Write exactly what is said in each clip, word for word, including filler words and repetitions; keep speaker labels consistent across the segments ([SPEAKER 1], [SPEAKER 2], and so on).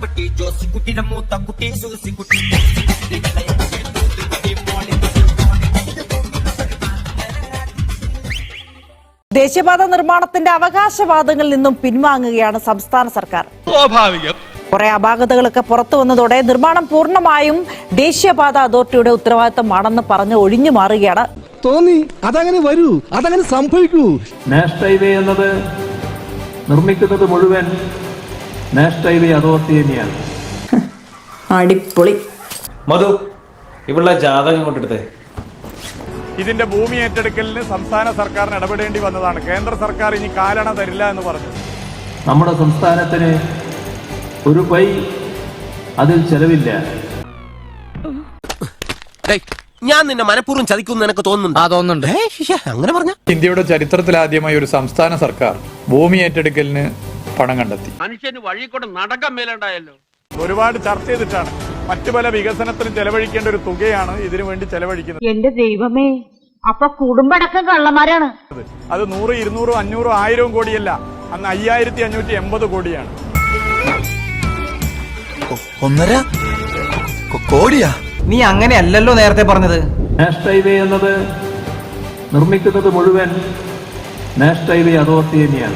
[SPEAKER 1] മാത്തുക്കുട്ടി ജോസിക്കുട്ടിയുടെ മൂത്തക്കുട്ടി സൂസിക്കുട്ടി.
[SPEAKER 2] ദേശീയപാത നിർമ്മാണത്തിന്റെ അവകാശവാദങ്ങളിൽ നിന്നും പിൻവാങ്ങുകയാണ് സംസ്ഥാന സർക്കാർ.
[SPEAKER 3] സ്വാഭാവികം.
[SPEAKER 2] കുറെ അപാകതകളൊക്കെ പുറത്തു വന്നതോടെ നിർമ്മാണം പൂർണ്ണമായും ദേശീയപാത അതോറിറ്റിയുടെ ഉത്തരവാദിത്തമാണെന്ന് പറഞ്ഞ് ഒഴിഞ്ഞു മാറുകയാണ്.
[SPEAKER 4] തോന്നി അതങ്ങനെ വരൂ, അതങ്ങനെ സംഭവിക്കൂ.
[SPEAKER 5] നാഷണൽ ഹൈവേ എന്നത് നിർമ്മിക്കുന്നത് മുഴുവൻ നാഷണൽ ഹൈവേ അതോറിറ്റി തന്നെയാണ്.
[SPEAKER 2] അടിപൊളി.
[SPEAKER 6] മധു, ഇവളുടെ ജാതകം കൊണ്ടെടുത്തേ.
[SPEAKER 3] ഇതിന്റെ ഭൂമി ഏറ്റെടുക്കലിന് സംസ്ഥാന സർക്കാരിന് ഇടപെടേണ്ടി വന്നതാണ്. കേന്ദ്ര സർക്കാർ ഇനി കാലണ തരില്ല എന്ന് പറഞ്ഞു.
[SPEAKER 5] നമ്മുടെ സംസ്ഥാനത്തിന് ഒരു പൈ അതിൽ ചെലവില്ല.
[SPEAKER 6] ഞാൻ നിന്നെ മനഃപൂർവ്വം ചതിക്കുന്നു എനിക്ക് തോന്നുന്നുണ്ട്. ആ തോന്നുന്നുണ്ട്. അങ്ങനെ പറഞ്ഞ
[SPEAKER 7] ഇന്ത്യയുടെ ചരിത്രത്തിലാദ്യമായി ഒരു സംസ്ഥാന സർക്കാർ ഭൂമി ഏറ്റെടുക്കലിന് പണം കണ്ടെത്തി.
[SPEAKER 8] മനുഷ്യന് വഴി കൂടെ നടക്കാൻ മേലുണ്ടായല്ലോ.
[SPEAKER 3] ഒരുപാട് ചർച്ച ചെയ്തിട്ടാണ്. മറ്റു പല വികസനത്തിനും ചെലവഴിക്കേണ്ട ഒരു തുകയാണ് ഇതിനു വേണ്ടി ചെലവഴിക്കുന്നത്.
[SPEAKER 9] എന്റെ ദൈവമേ, അപ്പൊ കുടുംബടക്കം കള്ളന്മാരാണ്.
[SPEAKER 3] അത് നൂറ് ഇരുന്നൂറും അഞ്ഞൂറും ആയിരവും കോടിയല്ല, അന്ന് അയ്യായിരത്തി അഞ്ഞൂറ്റി എൺപത് കോടിയാണ്.
[SPEAKER 1] ഒന്നര കോടിയാ?
[SPEAKER 6] നീ അങ്ങനെയല്ലല്ലോ നേരത്തെ പറഞ്ഞത്.
[SPEAKER 5] നാഷണൽ ഹൈവേ എന്നത് നിർമ്മിക്കുന്നത് മുഴുവൻ നാഷണൽ ഹൈവേ അതോറിറ്റി തന്നെയാണ്.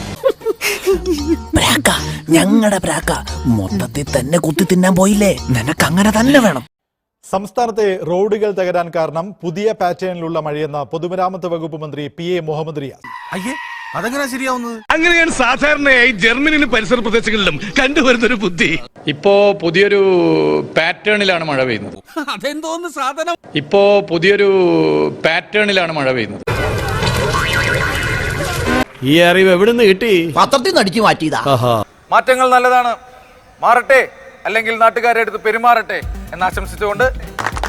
[SPEAKER 1] ഞങ്ങളുടെ പ്രാക്ക മൊത്തത്തിൽ തന്നെ കുത്തി തിന്നാൻ പോയില്ലേ? നിനക്ക് അങ്ങനെ തന്നെ വേണം.
[SPEAKER 10] സംസ്ഥാനത്തെ റോഡുകൾ തകരാൻ കാരണം പുതിയ പാറ്റേണിലുള്ള മഴയെന്ന പൊതുമരാമത്ത് വകുപ്പ് മന്ത്രി പി എ മുഹമ്മദ് റിയാസ്.
[SPEAKER 1] അയ്യേ, അതെങ്ങനെ ശരിയാവുന്നത്?
[SPEAKER 3] അങ്ങനെയാണ് സാധാരണയായി ജർമ്മനിയിലും പരിസര പ്രദേശങ്ങളിലും കണ്ടുവരുന്നൊരു ബുദ്ധി.
[SPEAKER 7] ഇപ്പോ പുതിയൊരു പാറ്റേണിലാണ് മഴ പെയ്യുന്നത്.
[SPEAKER 1] അതെന്തോന്ന് സാധനം?
[SPEAKER 7] ഇപ്പോ പുതിയൊരു പാറ്റേണിലാണ് മഴ പെയ്യുന്നത്.
[SPEAKER 4] ഈ അറിവ് എവിടുന്ന് കിട്ടി?
[SPEAKER 1] പത്രത്തിൽ നിന്ന് അടിച്ചു മാറ്റിയതാ.
[SPEAKER 3] മാറ്റങ്ങൾ നല്ലതാണ്, മാറട്ടെ, അല്ലെങ്കിൽ നാട്ടുകാരെ അടുത്ത് പെരുമാറട്ടെ എന്ന് ആശംസിച്ചുകൊണ്ട്